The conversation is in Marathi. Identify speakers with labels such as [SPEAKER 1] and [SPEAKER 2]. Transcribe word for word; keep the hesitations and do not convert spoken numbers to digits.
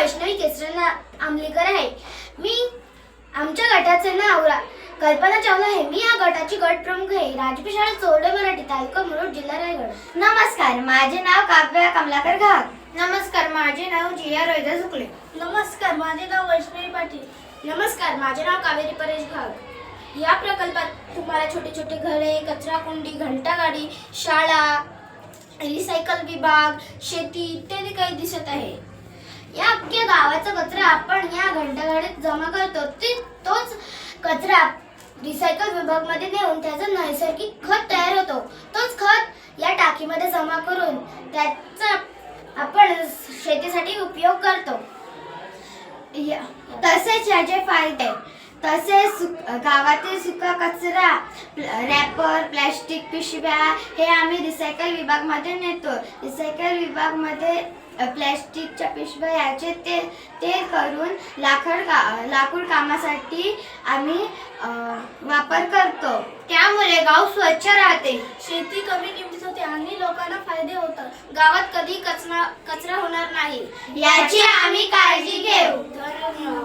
[SPEAKER 1] वैष्णवी केसरना आमलीकर आहे। मी आमच्या गटाचे नाव कल्पना चावला आहे। मी या गटाची गट प्रमुख आहे। राजपी शाळा चोरडे मराठी, तालुका मुरुड, जिल्हा रायगड।
[SPEAKER 2] नमस्कार, माझे नाव काव्या कमलाकर घाग।
[SPEAKER 1] नमस्कार, माझे नाव जिया रोहिदा सुकले।
[SPEAKER 3] नमस्कार, माझे नाव वैष्णवी पाटील।
[SPEAKER 1] नमस्कार, माझे नाव कावेरी परेश घाग। या प्रकल्पात तुम्हाला छोटे छोटे घरे, कचरा कुंडी, घंटागाडी, शाळा, रिसायकल विभाग, शेती इत्यादी काही दिसत आहे। या अख्ख्या गावाचा कचरा आपण या घंटागाडीत जमा करतो। ते तोच कचरा रिसायकल विभाग मध्ये नेऊन त्याचा नैसर्गिक खत तयार होतो। तोच खत या टाकीमध्ये जमा करून त्याचा आपण शेतीसाठी उपयोग करतो।
[SPEAKER 2] तसेच याचे फायदे, तसेच गावातील सुका कचरा, रॅपर, प्लॅस्टिक पिशव्या हे आम्ही रिसायकल विभागमध्ये नेतो। रिसायकल विभागमध्ये प्लॅस्टिकच्या पिशव्या याचे ते ते करून लाकड का लाकूड कामासाठी आम्ही वापर करतो।
[SPEAKER 1] त्यामुळे गाव स्वच्छ राहते,
[SPEAKER 3] शेती कमी किमतीत होते आणि लोकांना फायदे होतात।
[SPEAKER 1] गावात कधी कचरा कचरा होणार नाही
[SPEAKER 2] याची आम्ही काळजी घेऊ।
[SPEAKER 1] धन्यवाद।